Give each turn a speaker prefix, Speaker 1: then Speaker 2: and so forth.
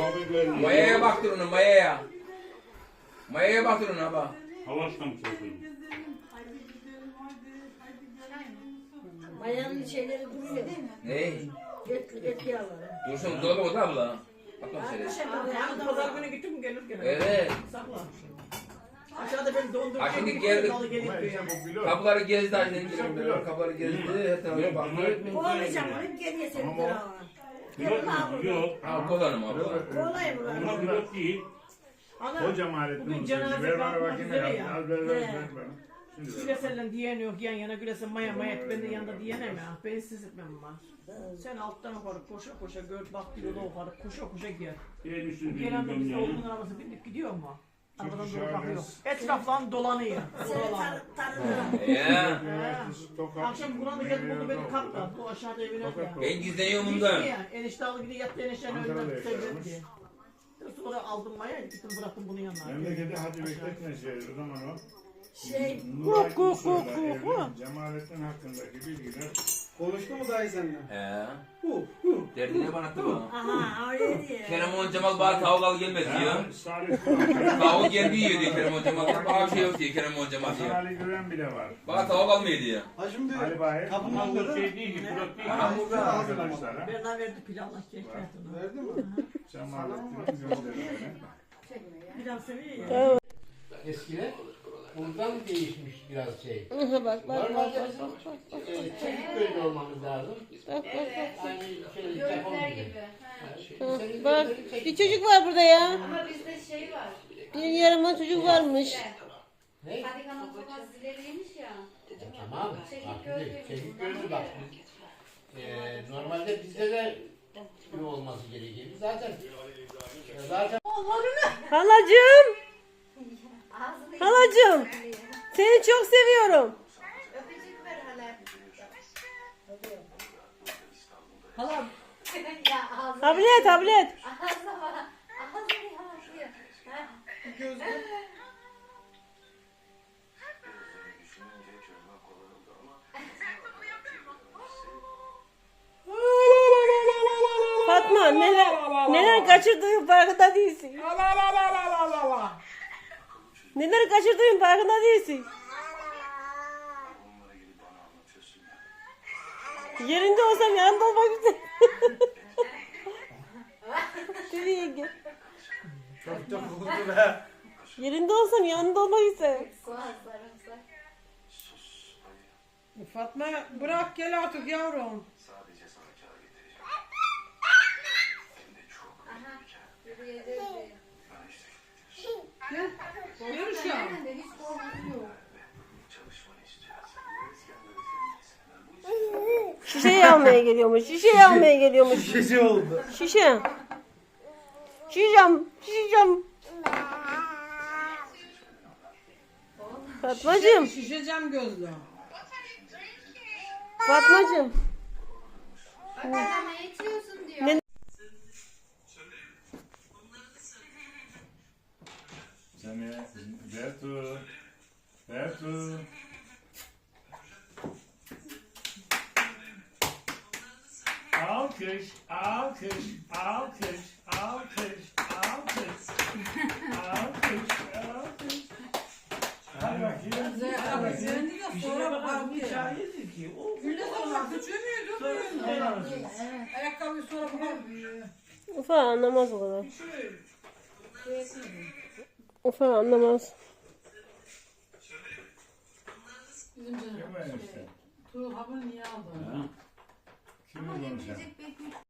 Speaker 1: Mayaya baktır onu mayaya. Mayaya baktır onu abi.
Speaker 2: Havaştan mı söylüyorsun?
Speaker 3: Mayanın şeyleri duruyor.
Speaker 1: Ne?
Speaker 3: Et yağları.
Speaker 1: Dursun dolaba otur abla. Bakma şöyle.
Speaker 4: Pazar günü gittim mi gelir gene.
Speaker 1: Evet.
Speaker 4: Sakla. Aşağıda beni dondurup
Speaker 1: Ha, şimdi geldik. Kapıları gezdi annem. Kapıları gezdi. Her tarafa baktı.
Speaker 3: Kovalayacağım onu geriye seni durağa.
Speaker 2: Yok.
Speaker 1: Ha kullanım abla.
Speaker 3: Kolay mı?
Speaker 2: Buna pilot değil.
Speaker 4: Ana,
Speaker 5: Hocam aletini
Speaker 4: bugün
Speaker 5: ver
Speaker 4: cenaze
Speaker 5: bana
Speaker 4: kalkmak
Speaker 5: bakayım
Speaker 4: üzere
Speaker 5: ya.
Speaker 4: ya.
Speaker 5: Al ver bana. Şimdi ver.
Speaker 4: Gülesel'den diyen yok yan yana Gülesel maya ben de yanında diyenem ya. Ben siz etmem var. Sen alttan yukarı koşa koşa gör bak bir yola yukarı koşa koşa gel.
Speaker 2: En üstünü
Speaker 4: Gelen de biz
Speaker 2: bilmiyorum
Speaker 4: oğlunun
Speaker 2: yani.
Speaker 4: arabası bindik gidiyor mu? Arabadan
Speaker 5: Çünkü
Speaker 4: doğru bakıyor.
Speaker 5: şöyle-
Speaker 4: Etraflan dolanıyor. Buralar.
Speaker 1: Ya.
Speaker 4: Akşam Kur'an'da gelip bunu beni kaptı. Bu aşağıda evine ya.
Speaker 1: Ben gizleniyorum
Speaker 4: Gitti
Speaker 1: bundan.
Speaker 4: ya. Enişte aldı gidiyor yattı eniştenin
Speaker 5: Ankara'da
Speaker 4: önünden
Speaker 5: yaşıyormuş.
Speaker 4: sevdirdi. Sonra aldım maya gittim bıraktım bunun yanına.
Speaker 5: Memleketi hadi bekletme şey o zaman o.
Speaker 3: Şey,
Speaker 5: Nuray Kusur'la evli Cemalettin hakkındaki bilgiler.
Speaker 6: Konuştu mu dayı seninle?
Speaker 1: He.
Speaker 6: Hu.
Speaker 1: Derdine bana attı bu.
Speaker 3: aha öyle diye.
Speaker 1: Keremon Cemal bana tavuk al gelmez diyor.
Speaker 5: Salih
Speaker 1: Tavuk geldi yiyor diyor Keremon Cemal. Bana bir şey yok diyor Keremon Cemal diyor.
Speaker 5: Salih Güven bile var.
Speaker 1: Bana tavuk almıyor diyor.
Speaker 6: Ha şimdi
Speaker 5: Ali Bahir.
Speaker 6: kapının
Speaker 2: Ama bu
Speaker 6: önünde
Speaker 2: şey değil ki, pilot değil.
Speaker 5: Hamurda arkadaşlara.
Speaker 4: Berna verdi pilavla keklerdi.
Speaker 6: verdi mi?
Speaker 5: Cemalettin'in gönderdiğini.
Speaker 4: Pilav seviyor ya.
Speaker 7: Eskiden buradan değişmiş biraz şey.
Speaker 8: Bak
Speaker 7: Normalde çekik gözlü olmamız lazım.
Speaker 8: Bak.
Speaker 7: Aynı şey
Speaker 9: Gözler gibi.
Speaker 8: Bak bir çocuk var burada ya.
Speaker 9: Ama bizde şey var.
Speaker 8: Bir yaramaz çocuk varmış.
Speaker 7: Ne?
Speaker 9: Hadi kanal sokak zileriymiş ya.
Speaker 7: Tamam. Bak şimdi çekik gözlü bak. Normalde bizde de ne olması gerekir. Zaten
Speaker 8: Halacığım.
Speaker 9: Ağzını
Speaker 8: Halacığım. Seni çok seviyorum.
Speaker 9: öpücük ver hala.
Speaker 4: Halam.
Speaker 9: Ya ağzını.
Speaker 8: Tablet.
Speaker 9: Ağzına bak. Ağzını yansıyor.
Speaker 8: Fatma neler kaçırdığın farkında değilsin. Neler kaçırdığın farkında değilsin. Yerinde olsam yanında olmak istedim. Dedi yenge.
Speaker 6: Çok vurdu be.
Speaker 8: Yerinde olsam yanında olmak istedim.
Speaker 9: Soğan sarımsak.
Speaker 4: Fatma bırak gel artık yavrum.
Speaker 9: Aha. Yürüyeceğiz diyor.
Speaker 4: Yürü şu an.
Speaker 9: Nerede? Hiç korkusu yok.
Speaker 8: Şişeyi almaya geliyormuş. Şişeyi almaya geliyormuş.
Speaker 6: Şişe oldu.
Speaker 8: Şişe. Şişeceğim. Fatmacığım.
Speaker 4: Şişeceğim gözlü.
Speaker 8: Fatmacığım.
Speaker 9: Bak adama yetiyorsun diyor.
Speaker 8: Ne-
Speaker 5: Seni Bertu. Alkış. Hadi bakayım.
Speaker 4: Sonra bakalım bir çay yedik ki. Gülle sonra küçüğü müydü? Ayakkabıyı sonra bakalım.
Speaker 8: Ufa anlamaz o kadar. Ufa anlamaz.
Speaker 5: Kim var işte?
Speaker 4: Tuğ hamur niye aldın?
Speaker 5: Kim bu sen?
Speaker 9: Yiyecek bekliyor.